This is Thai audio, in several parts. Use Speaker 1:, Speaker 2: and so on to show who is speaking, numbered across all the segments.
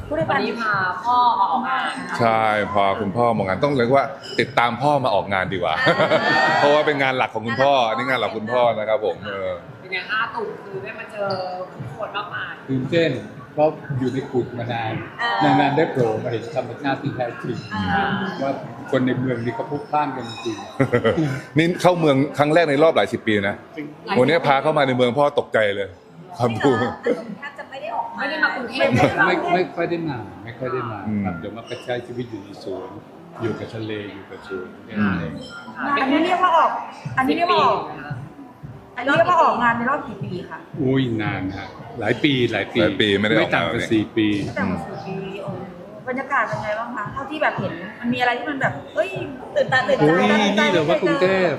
Speaker 1: วันนี้พาพ่อมาออกงาน
Speaker 2: ใช่พอคุณพ่อมางานต้องเรียกว่าติดตามพ่อมาออกงานดีกว่า เพราะว่าเป็นงานหลักของคุณพ่ออันนี้งานหลักคุณพ่อนะครับผม
Speaker 1: เป็นไง5 ตุ่มคือได้มาเจอผู้คนมากมาย
Speaker 3: ตื่นเต้นเพราะอยู่ในกุฏมานานได้โผล่มาเห็นธรรมชาติที่แท้จริงว่าคนในเมืองนี่เขาพลุกพล่านกันจริง
Speaker 2: นี่เข้าเมืองครั้งแรกในรอบหลายสิบปีนะวันนี้พาเข้ามาในเมืองพ่อตกใจเลยครับดู
Speaker 4: แทบจะไม่ได้ออก
Speaker 1: ไม่ได้มากรุงเทพ
Speaker 3: ไม่ค่อยได้มาครับเดี๋ยวมาใช้ชีวิตอยู่ในสวนอยู่กับทะเลอยู่กับสวน
Speaker 4: อันนี้เรียกว่าออกอันนี้เรียกว่าออกงานในรอบกี่ปีคะ
Speaker 3: อุ้ยนานฮะหลายปี
Speaker 2: ไม่ได้ออก
Speaker 3: ต่างกัน4 ปี
Speaker 4: ไม่ต่างกัน4 ปีโอ้บรรยากาศเป็นไงบ้างคะเท่าที่แบบเห็นมันมีอะไรที่มันแบบเอ้ยตื่นตาตื่นใจ
Speaker 3: นี่เหรอว่ากรุงเทพ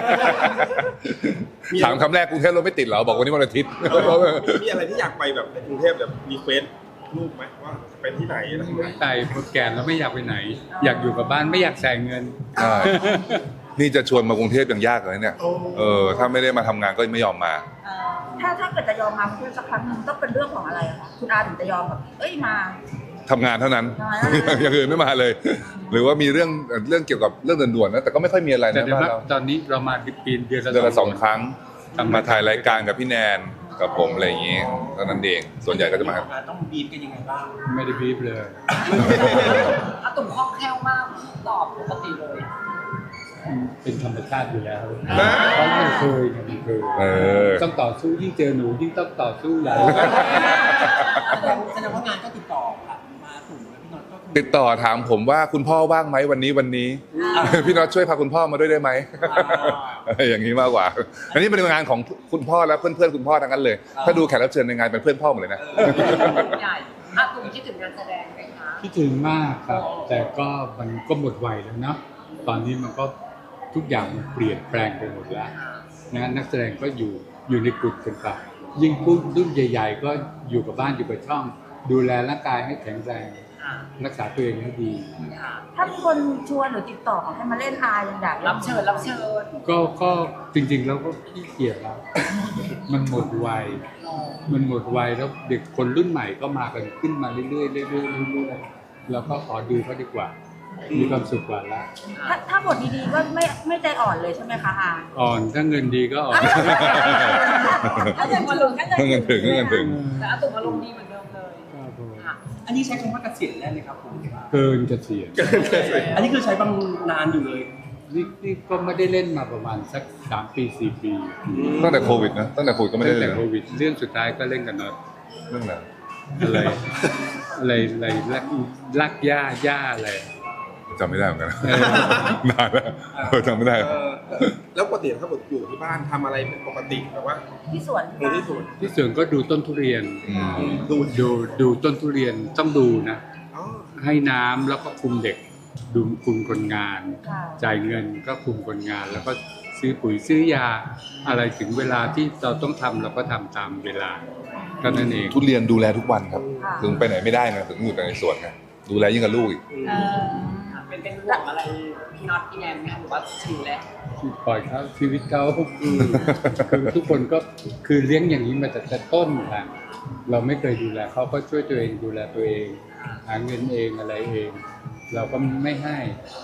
Speaker 2: ถามคำแรกกรุงเทพรถไม่ติดเหรอบอกวันนี้วันอาทิตย์
Speaker 5: มีอะไรที่อยากไปแบบในกรุงเทพแบบมีเฟซรูปไหมว่าเป็นที่ไหนอะไรอย่างเงี้ย
Speaker 3: ไปพอแก่แล้วไม่อยากไปไหนอยากอยู่กับบ้านไม่อยากแสงเงิน
Speaker 2: นี่จะชวนมากรุงเทพยังยากเลยเนี่ยถ้าไม่ได้มาทำงานก็ไม่ยอมมา
Speaker 4: ถ้าเกิดจะยอมมากรุงเทพสักครั้งนึงต้องเป็นเรื่องของอะไรคะคุณอาถึงจะยอมแบบเอ้ยมา
Speaker 2: ทำงานเท่านั้นอย่างอื่นไม่มาเลยหรือว่ามีเรื่องเกี่ยวกับเรื่องด่วนๆนะแต่ก็ไม่ค่อยมีอะไรนะบ้านเรา
Speaker 3: ตอนนี้เรามาปีเดือน
Speaker 2: ละ2 ครั้งมาถ่ายรายการกับพี่แนนกับผมอะไรอย่างงี้เท่านั้นเองส่วนใหญ่ก็จะมา
Speaker 5: ต้องบีบกันยังไงบ้าง
Speaker 3: ไม่ได้บีบเลย
Speaker 1: อาตุ่มคล่องแคล่วมากตอบปกติเลย
Speaker 3: เป็นธรรมชาติอยู่แล้วเพราะไม่เคยต้องต่อสู้ยิ่งเจอหนูยิ่งต้องต่อสู้ใหญ่
Speaker 5: แสดงว่างานก็ติดต่อมาตุ่มแล้วพี่น็อตก็
Speaker 2: ติดต่อถามผมว่าคุณพ่อว่างไหมวันนี้พี่น็อตช่วยพาคุณพ่อมาด้วยได้ไหมอย่างนี้มากกว่าอันนี้เป็นงานของคุณพ่อและเพื่อนๆคุณพ่อทั้งนั้นเลยถ้าดูแขกรับเชิญในงานเป็นเพื่อนพ่อหมดเลยนะ
Speaker 1: ใหญ่อาตุ่มคิดถึงงานแสดงไหมคะ
Speaker 3: คิดถึงมากครับแต่ก็มันก็หมดวัยแล้วเนาะตอนนี้มันก็ทุกอย่างมันเปลี่ยนแปลงไปหมดแล้วนะนักแสดงก็อยู่ในกลุ่มกันไปยิ่งรุ่นใหญ่ๆก็อยู่กับบ้านอยู่กับช่องดูแลร่างกายให้แข็งแรงรักษาตัวเองให้ดี
Speaker 4: ถ้ามีคนชวนหรือติดต่อให้มาเล่นอายังอยาก
Speaker 1: รับเชิญ
Speaker 3: ก็จริงๆแล้วก็ขี้เกียจแล้วมันหมดวัยแล้วเด็กคนรุ่นใหม่ก็มากันขึ้นมาเรื่อยๆแล้วก็ขอดูเขาดีกว่ามีความสุขกว่าละ
Speaker 4: ถ้าบทดีๆก็ไม่ใจอ่อนเลยใช่ไหมคะ
Speaker 3: อ่อนถ้าเงินดีก็อ่อน
Speaker 4: ถ้าเงินมาลง
Speaker 2: ถ้าเงินถึง
Speaker 1: แต่อาตุ่มอารมณ์ดีเหมือนเดิมเลย
Speaker 5: อันนี้ใช้คำว่าเกษียณแล้วไหมครับผม
Speaker 3: เกินเกษียณ
Speaker 5: อันนี้คือใช้บางนานอยู่เลย
Speaker 3: นี่ก็ไม่ได้เล่นมาประมาณสัก3 ปี 4 ปี
Speaker 2: ตั้งแต่โควิดนะตั้งแต่โควิดก็ไม่ได้เล่น
Speaker 3: โควิดเรื่องสุดท้ายก็เล่นกันเนอะ
Speaker 2: เรื่อง
Speaker 3: อะไรลักย่าอะไร
Speaker 2: จำไม่ได้เหมือนกันนานแล้วจำไม่ได้
Speaker 5: แล้วปกติถ้าอยู่ที่บ้านทำอะไรเป็นปกติแบบว่า
Speaker 4: ที่สวน
Speaker 3: ก็ดูต้นทุเรียนดูต้นทุเรียนต้องดูนะให้น้ำแล้วก็คุมเด็กดูคุมคนงานจ่ายเงินก็คุมคนงานแล้วก็ซื้อปุ๋ยซื้อยาอะไรถึงเวลาที่เราต้องทำเราก็ทำตามเวลาก็นั่นเอง
Speaker 2: ทุเรียนดูแลทุกวันครับถึงไปไหนไม่ได้นะถึงอยู่แต่ในสวนไงดูแลยิ่งกับลูกอีก
Speaker 1: เป็นห่วงอะไรพี่น็อตพี่แนนไหมคะหรือว่าชิลแล้ว
Speaker 3: ปล่อยเขาชีวิตเขาคือทุกคนก็คือเลี้ยงอย่างนี้มาแต่ต้นค่ะเราไม่เคยดูแลเขาก็ช่วยตัวเองดูแลตัวเองหาเงินเองอะไรเองเราก็ไม่ให้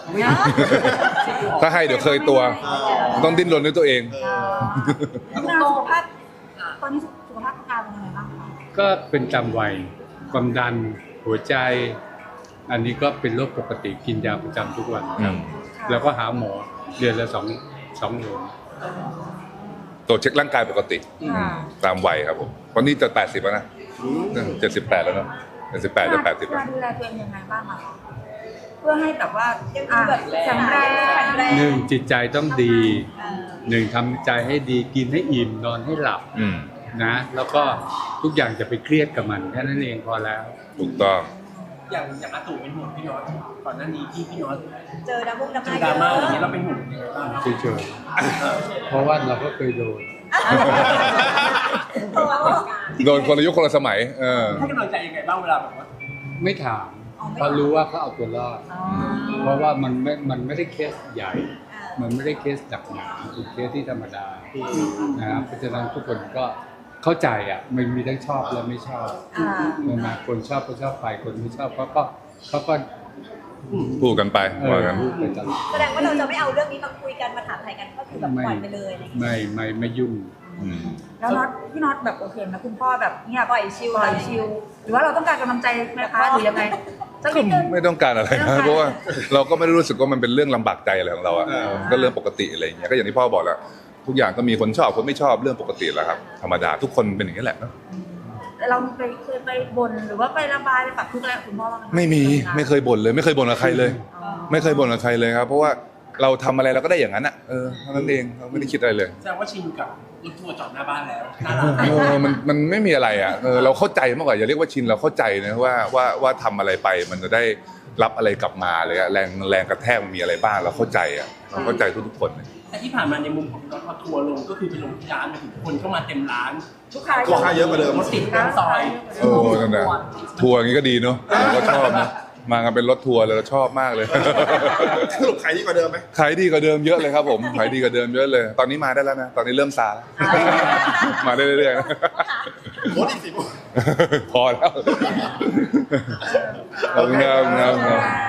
Speaker 2: ถ้าให้เดี๋ยวเคยตัวต้องดิ้นรนด้วยตัวเอง
Speaker 4: สุขภาพตอนนี้สุขภาพอาการเป็นยังไงบ้างคะ
Speaker 3: ก็เป็นจำวัยความดันหัวใจอันนี้ก็เป็นโรคปกติกินยาประจำทุกวันครับแล้วก็หาหมอเดือนละ2 หน
Speaker 2: ตรวจเช็คร่างกายปกติตามวัยครับผมวันนี้จะ80แล้วนะ78แล้วเนาะ78จะ80แล้ว
Speaker 4: ดูแลตัวเองยังไงบ้างคะเพื่อให้แบบว่าแข็งแรง
Speaker 3: 1จิตใจต้องดี1ทำใจให้ดีกินให้อิ่มนอนให้หลับนะแล้วก็ทุกอย่างจะไปเครียดกับมันแค่นั้นเองพอแล้ว
Speaker 2: ถูกต้อง
Speaker 5: อย่างอาตู่เป็นห่วงพี่น็อตก่อนหน้านี้ที่พี่น็อต
Speaker 4: เจอดรา
Speaker 5: ม่าอย่างนี้เราเป็นห่วงยังไงบ้าง
Speaker 3: เฉยๆเพราะว่าเราก็เคยโดน
Speaker 2: คนละยุคคนละสมัย
Speaker 5: ให้กำลังใจยังไงบ้างเวลาแบบว่า
Speaker 3: ไม่ถามเพราะรู้ว่าเขาเอาตัวรอดเพราะว่ามันไม่ได้เคสใหญ่มันไม่ได้เคสหนักหนาเป็นเคสที่ธรรมดานะครับเพราะฉะนั้นทุกคนก็เข้าใจอ่ะมันมีทั้งชอบและไม่ชอบ
Speaker 4: อ่า
Speaker 3: ใช่ไหมคนชอบก็ชอบไปคนไม่ชอบเขาก็
Speaker 2: พูดกันไปว่ากัน
Speaker 3: พูดไปตลอด
Speaker 6: แสดงว่าเราจะไม่เอาเรื่องนี้มาคุยกันมาถามไทยกันก็คือแบบปล่อยไปเลยอะไรอย่างเงี้ย
Speaker 3: ไม่ยุ่ง
Speaker 2: อืม
Speaker 4: แล้วน็อตพี่น็อตแบบโอเคไหมคุณพ่อแบบเงียบ
Speaker 6: ปล่อยชิล
Speaker 4: ปล่อยชิลหรือว่าเราต้องการกำลังใจไหมคะหรือยังไงสัก
Speaker 2: ก็
Speaker 4: นิดนึง
Speaker 2: ไม่ต้องการอะไร
Speaker 4: ไม่ต้อง
Speaker 2: นะ
Speaker 4: การ
Speaker 2: เพราะว่าเราก็ไม่ได้รู้สึกว่ามันเป็นเรื่องลำบากใจอะไรของเราอ่ะก็เรื่องปกติอะไรอย่างเงี้ยก็อย่างที่พ่อบอกแหละทุกอย่างก็มีคนชอบคนไม่ชอบเรื่องปกติแหละครับธรรมดาทุกคนเป็นอย่างนี้แหละเนอะ
Speaker 4: เราเคยไปบ่นหรือว่าไประบายไปปรับทุกข์อะไรกับคุณพ่อบ้างไหมคะ
Speaker 2: ไม่มีไม่เคยบ่นเลยไม่เคยบ่นกับใครเลย
Speaker 4: อ๋อ
Speaker 2: ไม่เคยบ่นกับใครเลยครับ เพราะว่าเราทำอะไรเราก็ได้อย่างนั้นอ่ะเท่านั้นเองเราไม่ได้คิดอะไรเลย
Speaker 1: แสดงว่าชินกับรถทัวร์จอดหน้าบ้านแล้วน่ารัก
Speaker 2: มันไม่มีอะไรอ่ะเราเข้าใจมากกว่าอย่าเรียกว่าชินเราเข้าใจนะว่าทำอะไรไปมันจะได้รับอะไรกลับมาเลยอะแรงกระแทกมันมีอะไรบ้างเราเข้าใจอ่ะเราเข้าใจทุกๆคนเลย
Speaker 1: แต่ที่ผ่านมาในมุมของรถพอทัวร์ลงก็คือไปลงที่ร้านมาถึงคนเข้ามาเต็มร้าน
Speaker 4: ลูกค้า
Speaker 5: ลูกค้าเยอะกว่าเดิม
Speaker 1: รถติดทั้งซอย
Speaker 2: นั่นแหละทัวร์อย่างนี้ก็ดีเนาะผมก็ชอบนะมากันเป็นรถทัวร์เลยเราชอบมากเลย
Speaker 5: สรุปขายดีกว่าเดิมไหม
Speaker 2: ขายดีกว่าเดิมเยอะเลยครับผมขายดีกว่าเดิมเยอะเลย ตอนนี้มาได้แล้วนะตอนนี้เริ่มซาแล้วมาได้เรื่อยๆนะ
Speaker 5: รถอีก10
Speaker 2: พอแล้วขอบคุณครับ